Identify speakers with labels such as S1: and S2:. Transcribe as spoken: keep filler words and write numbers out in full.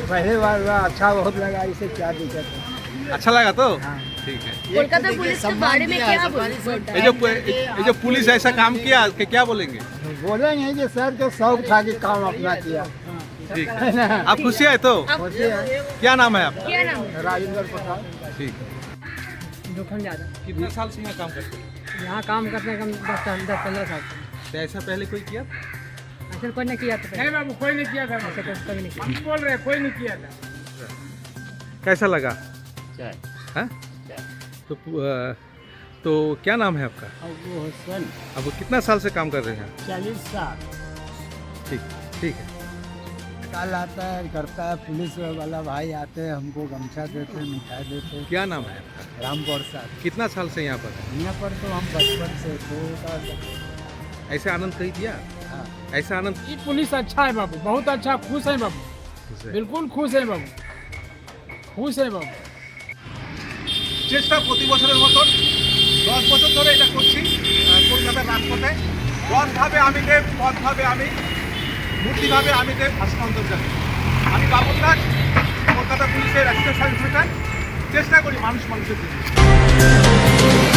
S1: पहले बार हुआ, अच्छा बहुत लगा, इसे क्या दिक्कत है।
S2: अच्छा लगा तो
S1: हाँ।
S2: ठीक है।
S3: कोलकाता पुलिस के बारे में क्या बोलते
S2: ये जो ये जो पुलिस ऐसा काम किया कि क्या बोलेंगे?
S1: बोलेंगे कि सर को शौक था कि काम अपना किया।
S2: ठीक है। आप खुशी है तो?
S1: खुशी है।
S2: क्या नाम है आपका?
S3: क्या नाम है?
S1: राजेंद्र प्रसाद।
S2: ठीक है।
S4: जोखन ज़्यादा।
S2: कितने साल से यहाँ काम करते हैं?
S4: यहाँ काम करने का दस साल दस पंद्रह साल
S2: तो ऐसा पहले कोई किया?
S4: ऐसा कोई नहीं किया था।
S5: नहीं बाबू, कोई नहीं किया था।
S4: ऐसा कोई कभी नहीं किया।
S5: हम बोल रहे हैं, कोई नहीं किया था।
S2: कैसा लगा? हाँ? तो अ, तो क्या नाम है आपका?
S1: अबू हुसैन।
S2: अब वो कितना साल से काम कर रहे हैं?
S1: चालीस साल।
S2: ठीक ठीक है।
S1: कल आता है, करता है, पुलिस वाला भाई आते हैं, हमको गमछा देते हैं, मिठाई देते हैं।
S2: क्या नाम है आपका?
S1: राम प्रसाद।
S2: कितना साल से यहाँ पर है?
S1: यहाँ पर तो हम बचपन से छोटा सा।
S2: ऐसे आनंद कहीं दिया?
S1: हाँ।
S2: ऐसा आनंद
S5: ये पुलिस अच्छा है बाबू, बहुत अच्छा, खुश है बाबू,
S2: से-
S5: बिल्कुल खुश है बाबू, खुश है बाबू।
S2: চেষ্টা প্রতি বছরের মতন দশ বছর ধরে এটা করছি আহ, কলকাতার রাজপথে। রথভাবে আমি দেব, পথভাবে আমি, মূর্তিভাবে আমি দেব, ভাস্কর জানি। আমি বাবুল দাস, কলকাতা পুলিশের অ্যাসিস্ট্যান্ট সাব ইন্সপেক্টর। চেষ্টা করি মানুষ মানুষের জন্য।